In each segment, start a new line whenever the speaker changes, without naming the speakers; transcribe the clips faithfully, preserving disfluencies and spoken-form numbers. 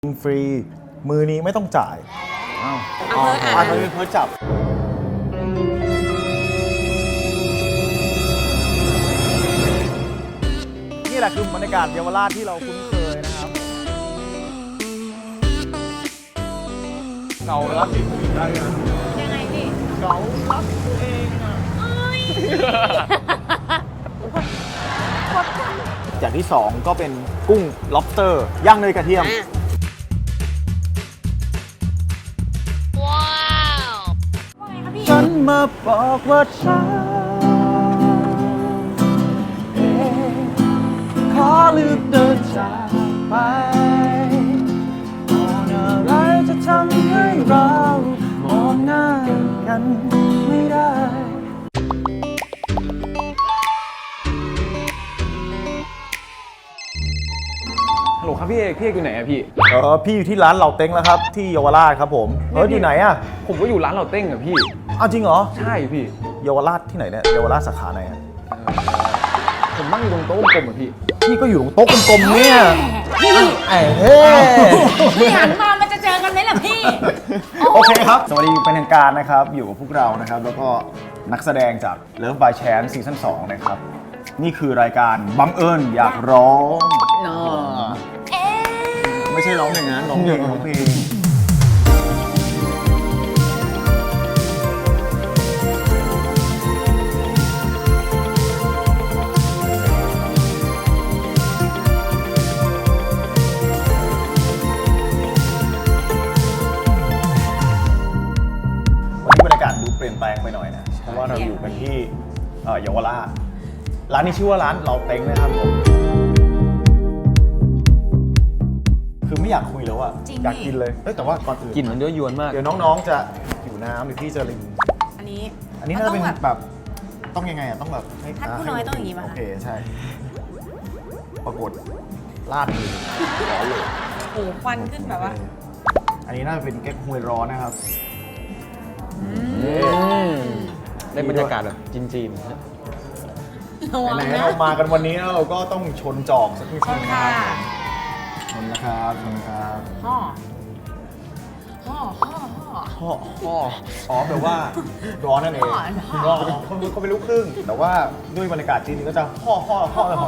กินฟรีมือนี้ไม่ต้องจ่ายอ้าวอ๋ออันนี้เพื่อจับนี่แหละคือบรรยากาศเยาวราชที่เราคุ้นเคยนะครับเก่ารักตัวเองได้ไงยังไงพี่เก่ารักตัวเองอ่ะอย่างที่สองก็เป็นกุ้ง lobster ย่างเนยกระเทียมฉันมาบอกว่าฉันเองขอเลือกเดินจากไปก่อนอะไรจะทำให้เรามองหน้ากันไม่ได้
ฮัลโหลครับพี่เอกพี่เอกอยู่ไหนอะพี่
เออพี่อยู่ที่ร้านเหล่าเต็งแล้วครับที่เยาวราชครับผมเอออยู่ไหนอะ
ผมก็อยู่ร้านเราเต้งอะพี่
อ้าวจริงเหรอ
ใช่พี่
เยาวราชที่ไหนเนี่ยเยาวราชสาขาไหนอะ
ผมนั่งอยู่ตรงโต๊ะกลมๆอะพี่
พี่ก็อยู่ตรงโต๊ะกลมๆเนี่ย
พี่
ไอ้เฮ้
พี่หันมามันจะเจอกันไหมล่ะพี่
โอเคครับสวัสดีเป็นทางการนะครับอยู่กับพวกเรานะครับแล้วก็นักแสดงจาก Love by Chance ซีซั่นสองนะครับนี่คือรายการบังเอิญอยากร้องไม่ใช่ร้องอย่างนั้นร้องเพลงร้องเพลงวันนี้บรรยากาศดูเปลี่ยนแปลงไปหน่อยนะเพราะว่าเราอยู่กันที่เยาวราชร้านนี้ชื่อว่าร้านเหล่าเต็งนะครับผมคือไม่อยากคุยแล้วอะอยากกินเลยแต่ว่าก่อนอื่น
กลิ่นมันเยอะยวนมาก
เดี๋ยวน้องๆจะหิวน้ำหรือพี่จะลิง
อันนี้
อันนี้น่าจะเป็นแบบต้องยังไงอะต้องแบบให้
ท่านผู้น้อยต้องอย่างนี้ป่ะ
โอเคใช่ปรากฏลาดมือร้อนเลย
โอ้ควันขึ้นแบบว่า
อันนี้น่าจะเป็นแก๊กฮวยร้อนนะครับ
ได้บรรยากาศแบบจีนๆ
ไหนๆเรามากันวันนี้เราก็ต้องชนจอกสักนิดนึงนะครับชนนะครับชนนะครับ
ห่อห่อห่อห่อ
ห่อห่ออ๋อแปลว่าร้อนนั่นเองร้อนเขาเขาเป็นลูกครึ่งแต่ว่าด้วยบรรยากาศจีนก็จะห่อห่อห่อห่อ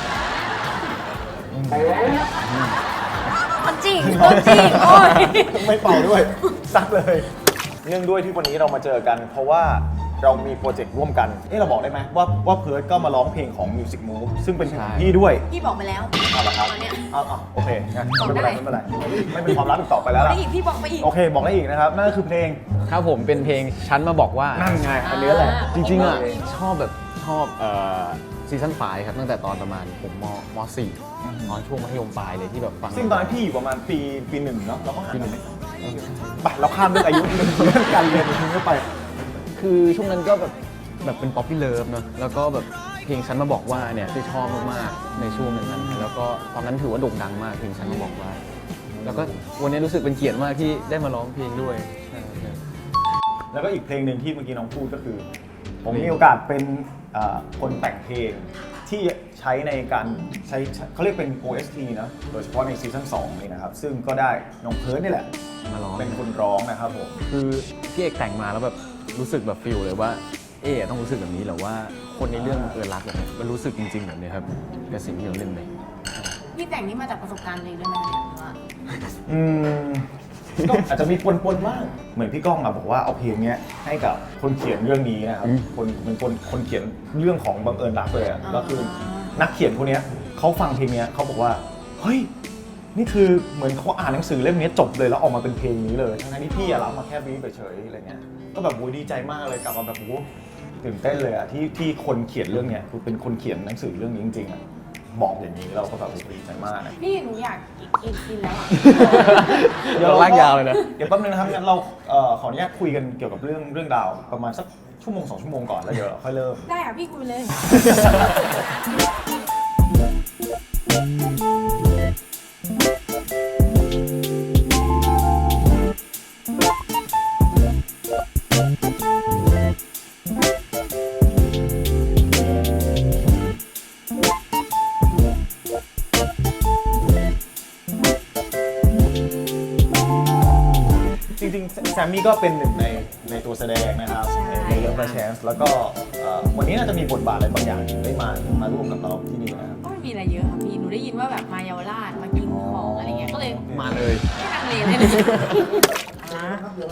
มันจริงมันจริงโอ้ย
ไม่เป่าด้วยซักเลยเนื่องด้วยที่วันนี้เรามาเจอกันเพราะว่าเรามีโปรเจกต์ร่วมกันเอ๊ะเราบอกได้ไหมว่าว่าเพิร์ทก็มาร้องเพลงของ Music Move ซึ่งเป็นของพี่ด้วย
พี่บอกไปแล้ว
เอาละครับเอาเอาโอเคงั้นไม่เป็นไรไม่เป็นไรไม่เป็นความลับอีกต่อไปแล้วล่ะ
พี่บอกไปอีก
โอเคบอกได้อีกนะครับนั่นก็คือเพลง
ครับผมเป็นเพลงฉันมาบอกว่า
นั่นไงอันนี้แหละ
จริงๆอ่ะชอบแบบชอบเอ่อซีซั่นไฟครับตั้งแต่ตอนประมาณผมมมสี่ตอนช่วงมัธยมปลายเลยที่แบบฟัง
ซึ่งตอนนั้นพี่อยู่ประมาณปีปีหนึ่งเนาะเราก็ห่างกันไปเราข้ามเรื่องอายุเรื่องการเรียนทิ้งไป
คือช่วงนั้นก็แบบแบบเป็นป๊อปปี้เลิฟเนาะแล้วก็แบบเพลงฉันมาบอกว่าเนี่ยที่ชอบมากๆในช่วงนั้นแล้วก็ตอนนั้นถือว่าโด่งดังมากเพลงฉันมาบอกว่าแล้วก็วันนี้รู้สึกเป็นเกียรติมากที่ได้มาร้องเพลงด้วย
แล้วก็อีกเพลงหนึ่งที่เมื่อกี้น้องพูดก็คือผมมีโอกาสเป็นคนแต่งเพลงที่ใช้ในการใช้เขาเรียกเป็น โอ เอส ที นะโดยเฉพาะในซีซั่นสองนี่นะครับซึ่งก็ได้น้องเพิร์ทนี่แหละ
มาร้อง
เป็นคนร้องนะครับผม
คือพี่เอกแต่งมาแล้วแบบรู้สึกแบบฟีลเลยว่าเอ๊ะต้องรู้สึกแบบนี้หรือว่าคนในเรื่องเออรักแบบนี้มันรู้สึกจริงๆแบบนี้ครับกับสิ่งที่เราเล่นไป
พี่แต่งนี่มาจากประสบการณ์เลยด้วยไหมเนี่ยว่า
อืมก็อาจจะมีปนๆบ้างเหมือนพี่ก้องอะบอกว่าเอาเพลงนี้ให้กับคนเขียนเรื่องนี้นะครับคนเป็นคนคนเขียนเรื่องของบังเอิญรักเลยอะแล้วคือนักเขียนคนนี้เขาฟังเพลงนี้เขาบอกว่าเฮ้ยนี่คือเหมือนเขาอ่านหนังสือเล่มนี้จบเลยแล้วออกมาเป็นเพลงนี้เลยทั้งที่พี่อะรับมาแค่บีบเฉยๆอะไรเงี้ยก็แบบโว้ยดีใจมากเลยกลับมาแบบโว้ตื่นเต้นเลยอะที่ที่คนเขียนเรื่องเนี้ยคือเป็นคนเขียนหนังสือเรื่องนี้จริงๆอะบอกอย่างนี้เราก็แบบดีใจมาก
พี่หนูอยากกินกินแล้วอ่ะ
เดี๋ยวลากยาวเลยนะ
เดี๋ยวแป๊บนึงนะครับงั้นเราขออนุญาตคุยกันเกี่ยวกับเรื่องเรื่องราวประมาณสักชั่วโมงสองชั่วโมงก่อนแล้วเดี๋ยวค่อยเริ่ม
ได้ค่ะพี่คุยเลย
ริงๆแซมมี่ก็เป็นหนึ่งในในตัวแสดงนะครับ
ใช่
ในเรื่อง The Chance แล้วก็เอ่อวันนี้น่าจะมีบทบาทอะไรบางอย่างได้มามาร่วมกับเราที่นี่นะครับ
ก็ไม่มีอะไรเยอะค่ะพี่ หนูได้ยินว่าแบบมาเยาวราชมากินของอะไรเงี้ย ก็เลย
มาเลย
ไม่ลังเลเลยนะอ่า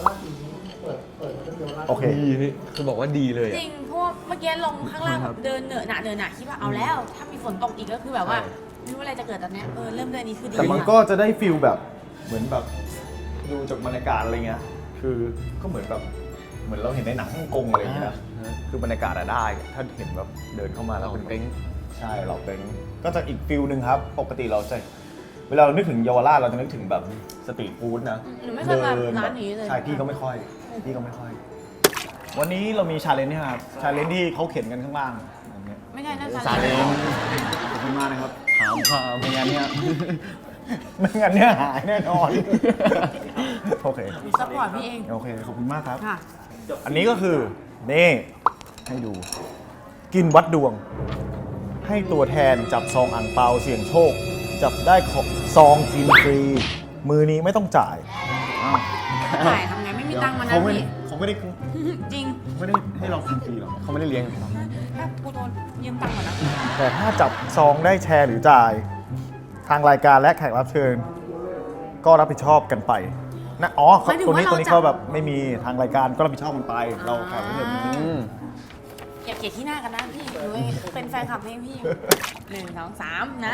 โอเค
ดีนี่คือบอกว่าดีเลย
จ
อะ
ริง เพราะว่าเมื่อกี้ลงข้างล่างแบบเดินเหนอะหนะเดินหนะคิดว่าเอาแล้ว ถ้ามีฝนตกอีกก็คือแบบว่า
ใช่
ไม่รู้อะไรจะเกิดตอนเนี้ยเออเริ่มเดือนนี้คือดี
แต่มัน
ค่ะ
ก็จะได้ฟิลแบบเหมือนแบบดูจากบรรยากาศอะไรเงี้ย คือก็เหมือนแบบเหมือนเราเห็นในหนังฮ่องกงอะไรอย่างเงี้ยนะ
อ่า
คือบรรยากาศอะได้ ถ้าเห็นแบบเดินเข้ามาแล้ว
เรา
เป็น
เต็ง
ใช่เราเป็นก็จะอีกฟิลหนึ่งครับ ปกติเราจะเวลาเรานึกถึงเยาวราชเราจะนึกถึงแบบสตรีทฟู้ดนะ
หนูไม่เคยมาร้านนี้เลย
ใช่พี่ก็ไม่ค่อยพี่ก็ไม่ค่อย วันนี้เรามีชาเลนจ์นี่ครับชาเลนจ์ที่เขาเขียนกันข้างล่างแบบเนี้ย
ไม่ใช่น่า
ซาเล้ง
ขอบคุณมากนะครับ
ถามพาม
ไม่งั้นเนี่ย ไม่งั้นเนี่ยหายแน่นอน โอเค
ซัพพอร์ตพี่เอง
โอเค ขอบคุณมากครับ
ค่ะ
อันนี้ก็คือ นี่ ให้ดู กินวัดดวง ให้ตัวแทนจับซองอ่างเปาเสี่ยงโชค จับได้ของซองกินฟรี มือนี้ไม่ต้องจ่ายอ้าว
ถ่ายทำไงไม่มีตังค์มานะ
เขาไม่
พี่
เขาไม่ได้
จริง
ไม่ได้ให้เรากินฟรีหรอก
เขาไม่ได้เลี้ยง
ถ้ากูโดนยืมตังค์ก่อนนะ
แต่ถ้าจับซองได้แชร์หรือจ่าย ทางรายการและแขกรับเชิญ ก็รับผิดชอบกันไปนะอ๋อเขาตัวนี้ตัวนี้เขาแบบไม่มีทางรายการก็รับผิดชอบกันไป เราแขกรับเชิญไม่มี
อืม
อย่าเกลียดที่หน้ากันนะพี่หนูเป็นแฟนคลับเพลงพี่หนึ่งสองสามนะ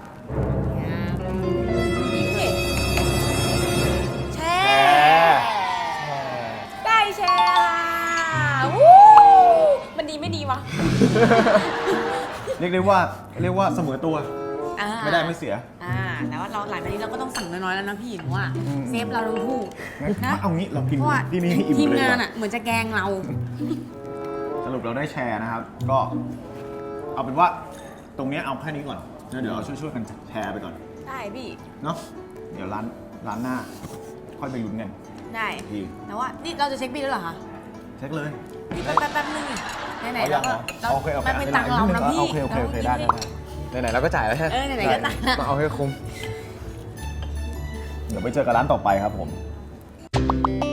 นี่แชร์ได้แชร์ค่ะวู้มันดีไม่ดีวะ
เรียกได้ว่าเรียกว่าเสมอตัว
อ่า
ไม่ได้ไม่เสีย
อ่าแต่ว่าเราหลังจากนี้เราก็ต้องสั่งน้อยๆแล้วนะพี่หนูว่าเซฟเราทั้งคู่
งั้น
นะ
เอางี้เรากิน
เพราะว่า
ที่นี่ให้อิ่ม
ทีม
เลย
งาน
ดีกว่
อ่ะเหมือนจะแกล้งเรา
สรุปเราได้แชร์นะครับ ก็เอาเป็นว่าตรงเนี้ยเอาแค่นี้ก่อนแล้วเดี๋ยวเราช่วยๆกันแชร์ไปก่อน
ได้พี่
เนาะเดี๋ยวร้านร้านหน้า ค่อยไปลุ้นกัน
ได้
ดี
แต่ว่านี่เราจะเช็คบิลแล้วเหรอคะ
เช็คเลย
นี่แป๊บแป๊บแป๊บนึงนี่ไหนๆ
เอายั
เรา
ง
ก็
เหรอ
เรา
โอเคโอเค
มันเป็นตังค์เรานะพี่
โอเคโอเคโอเคได้ได้ได้
ไหนๆเราก็จ่ายแล้วใช่ไหม
เออไหนๆก็ตังค์ละ
ต้องเอาให้คุ้ม
เดี๋ยวไปเจอกันร้านต่อไปครับผม